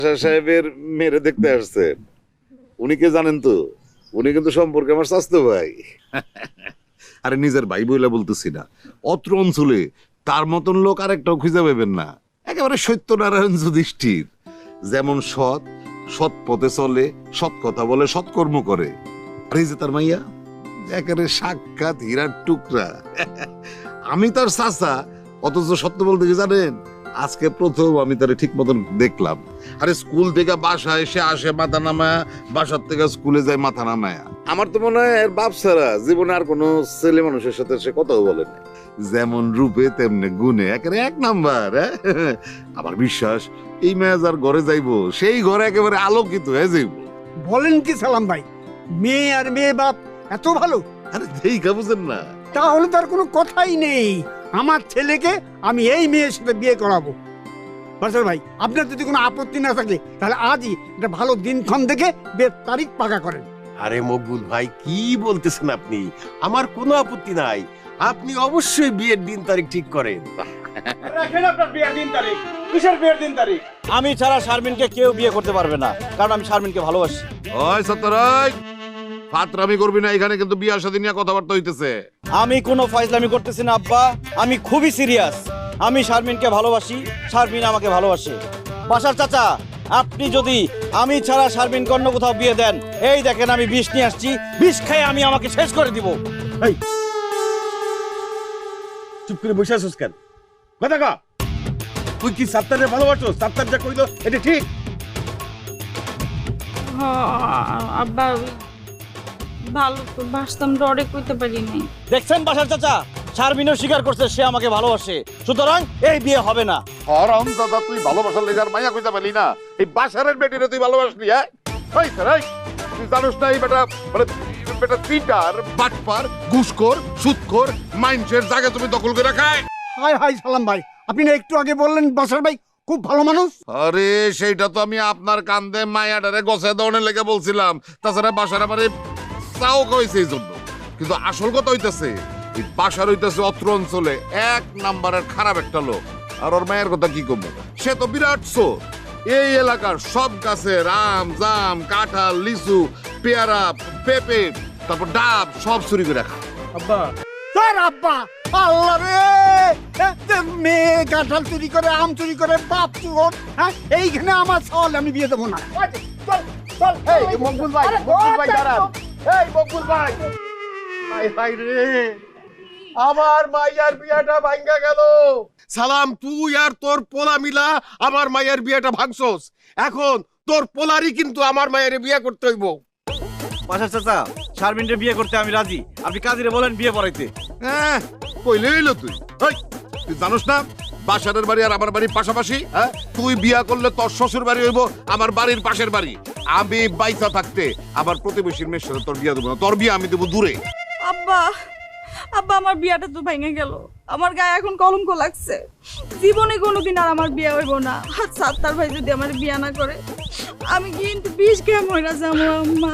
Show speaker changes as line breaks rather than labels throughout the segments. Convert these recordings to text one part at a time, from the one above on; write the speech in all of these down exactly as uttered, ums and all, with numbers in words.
সাহেবের মেয়েরে দেখতে আসছেন, উনি কে জানেন তো? উনি কিন্তু সম্পর্কে আমার স্বাস্থ্য ভাই। আরে নিজের ভাই বইলা বলতেছি না, অত্র অঞ্চলে তার মতন লোক আরেকটাও খুঁজে পাবেন না। একেবারে সত্যনারায়ণ যুধিষ্ঠির, যেমন সৎ, সৎ পথে চলে, সৎ কথা বলে, সৎকর্ম করে। আর এই যে তার মাইয়া, একেবারে সাক্ষাৎ হীরার টুকরা। আমি তার চাচা, অথচ সত্য বলতে কি জানেন, আজকে প্রথম আমি তারে ঠিক মতন দেখলাম। আরে স্কুল থেকে বাসা এসে আসে মাথা নামায়া, বাসার থেকে স্কুলে যায় মাথা নামায়া। আমার তো মনে হয় এর বাপ ছাড়া জীবনে আর কোনো ছেলে মানুষের সাথে সে কথাও বলে না। যেমন রূপে তেমনি গুণে একেবারে এক নাম্বার। আমার বিশ্বাস এই মেয়ে যার ঘরে যাইবো সেই ঘরে একেবারে আলোকিত হয়ে যাইব।
বলেন কি সালাম ভাই, মেয়ে আর মেয়ে বাপ এত ভালো?
আরে দেখা বুঝেন না?
তাহলে তার কোনো কথাই নেই। আমার ছেলেকে আমি এই মেয়ের সাথে বিয়ে করাবো। বাদশাহ ভাই, আপনার যদি কোনো আপত্তি না থাকে তাহলে আজই একটা ভালো দিনক্ষণ দেখে বিয়ের তারিখ পাকা করেন।
আরে মকবুল ভাই, কি বলতেছেন আপনি? আমার কোনো আপত্তি নাই, আপনি অবশ্যই বিয়ের দিন তারিখ ঠিক করেন।
রাখেন আপনার বিয়ের দিন তারিখ। কিসের বিয়ের দিন তারিখ?
আমি ছাড়া শারমিনকে কেউ বিয়ে করতে পারবে না, কারণ আমি শারমিনকে ভালোবাসি।
ওই সত্যরাই, ফাতরামি করবি না, এখানে কিন্তু বিয়ে শাদী নিয়ে কথাবার্তা হইতেছে।
আমি কোনো ফাইজলামি করতেছি না আব্বা, আমি খুবই সিরিয়াস। আমি শারমিনকে ভালোবাসি, শারমিন আমাকে ভালোবাসে। বাসার চাচা, আপনি যদি আমি ছাড়া শারমিনকে অন্য কোথাও বিয়ে দেন, এই দেখেন আমি বিষ নিয়ে আসছি, বিষ খেয়ে আমি আমাকে শেষ করে দিব।
এই চুপ করে বসে আছিস কেন? কথা কা, তুই কি সাত্তারে ভালোবাসো? সাত্তার যা কইলো এটা ঠিক?
আব্বা ভালো তো বাসতাম, ডরে কইতে পারি নাই।
দেখছেন বাসার চাচা, শারমিনও স্বীকার করছে সে আমাকে ভালোবাসে, সুতরাং এই বিয়ে হবে না।
হরম দাদা, তুই ভালোবাসার লেগার মাইয়া কইতে পারলি না? এই বাসারের বেটিরে তুই ভালোবাসলি? হ্যাঁ ওই সরাই, তুই জানোস না এই বেটা মানে বেটা চিটার, বাটপার, ঘুষখোর, সুদখোর, মাইন্ডসের জায়গা তুমি দখল করে রাখায়।
হাই হাই সালাম ভাই, আপনি না একটু আগে বললেন বাদশাহ ভাই খুব ভালো মানুষ।
আরে সেইটা তো আমি আপনার কান্দে মায়াটারে গছে দৌড়ে লেগে বলছিলাম, তাছাড়া বাসার আমারে চাও কইছে এই জন্য। কিন্তু আসল কথা হইতেছে এই বাসার হইতেছে অত্র অঞ্চলে এক নাম্বারের খারাপ একটা লোক। আর ওর মায়ের কথা কি কমবো, সে তো বিরাট চোর। এই এলাকার সব গাছে আম, জাম, কাঁঠাল, লিচু, পেয়ারা, পেঁপে, তারপর ডাব সব চুরি করে রাখা।
আব্বা স্যার, আব্বা আল্লাহ রে, মেয়ে কাঁঠাল চুরি করে, আম চুরি করে, বাপ চোর। হ্যাঁ, এইখানে আমার সওয়াল, আমি বিয়ে দেবো না।
চল এই মকবুল ভাই, মকবুল ভাই দাঁড়ান। এই মকবুল ভাই, হাই হাই রে, আমার মাইয়ার বিয়াটা ভাঙ্গা গেল।
সালাম, তুই আর তোর পোলা মিলা আমার মায়ের বিয়েটা ভাঙছস। এখন তোর পোলারই কিন্তু আমার মায়ের বিয়ে করতে হইব।
বাসার চাচা, শারমিনকে বিয়ে করতে আমি রাজি, আপনি কাজীরে বলেন বিয়ে পড়াইতে।
হ্যাঁ কইলে হইলো তুই। ওই, তুই জানোস না বাসারের বাড়ি আর আমার বাড়ির পাশাপাশি? হ্যাঁ, তুই বিয়া করলে তোর শ্বশুর বাড়ি হইব আমার বাড়ির পাশের বাড়ি। আমি বাইসা থাকতে আমার প্রতিবেশীর মেয়ের সাথে তোর বিয়া দেবো না, তোর বিয়া আমি দেবো দূরে।
আব্বা আব্বা আমার বিয়াটা তো ভেঙে গেল, আমার গায়ে এখন কলঙ্ক লাগছে। জীবনে কোনোদিন আর আমার বিয়ে হইব না। আর সাত্তার ভাই যদি আমার বিয়া না করে, আমি কিন্তু বিষ খেয়ে মরে যাবো আম্মা।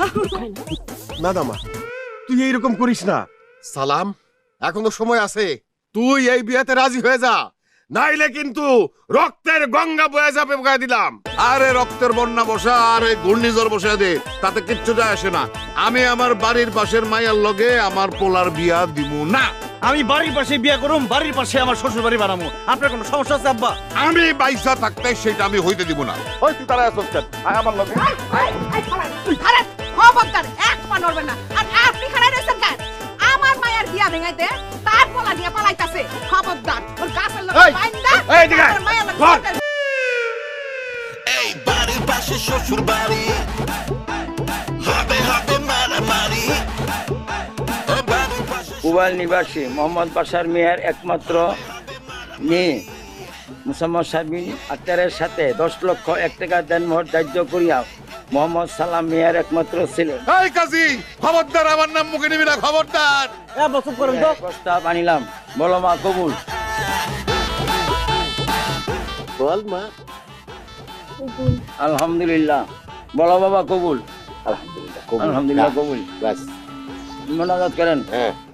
না দামা, তুই এইরকম করিস না। সালাম, এখনো সময় আছে, তুই এই বিয়েতে রাজি হয়ে যা, নাইলে কিন্তু রক্তের গঙ্গা বয়ে যাবে বয়ে দিলাম।
আরে রক্তের বন্যা বসা আর এই ঘূর্ণিঝড় বসে দে, তাতে কিচ্ছু যায় আসে না। আমি আমার বাড়ির পাশের মাইয়ার লগে আমার পোলার বিয়া দিব না।
আমি বাড়ির পাশে বিয়ে করুম, বাড়ির পাশে আমার শ্বশুর বাড়ি বানাবো। আপনার কোনো সমস্যা আছে আব্বা?
আমি বাইসা থাকতে সেটা আমি হইতে দিব না।
ওই তুই তারা আসছ কেন? আয় আমার লগে।
আরে খবরদার, এক পা নড়বে না। আর আপনি খাড়া রয়েছেন কেন? আমার মায়ের বিয়া ভেঙাইতে তার পোলা দিয়ে পালাইতাছে। খবরদার, ওর গাছের লগে বাইন্দা
এই দিকে
আমার মায়ের লগে
ধর।
এই বাড়ির পাশে শ্বশুর বাড়ি, হবে হবে মারামারি।
কুবাল নিবাসী মোহাম্মদ বাশার মিয়ার একমাত্র মেয়ে মুসাম্মদ শারমিন আক্তারের সাথে দশ লক্ষ এক টাকা দেনমোহর ধার্য করিয়া মোহাম্মদ সালাম মিয়ার একমাত্র ছিলেন।
এই কাজী, খবরদার আমার নাম মুখে নিবি না, খবরদার।
প্রস্তাব আনিলাম, বলো মা কবুল।
বল মা।
আলহামদুলিল্লাহ। বলো বাবা কবুল। আলহামদুলিল্লাহ, আলহামদুলিল্লাহ কবুল। বাস মোনাজাত করেন।
হ্যাঁ।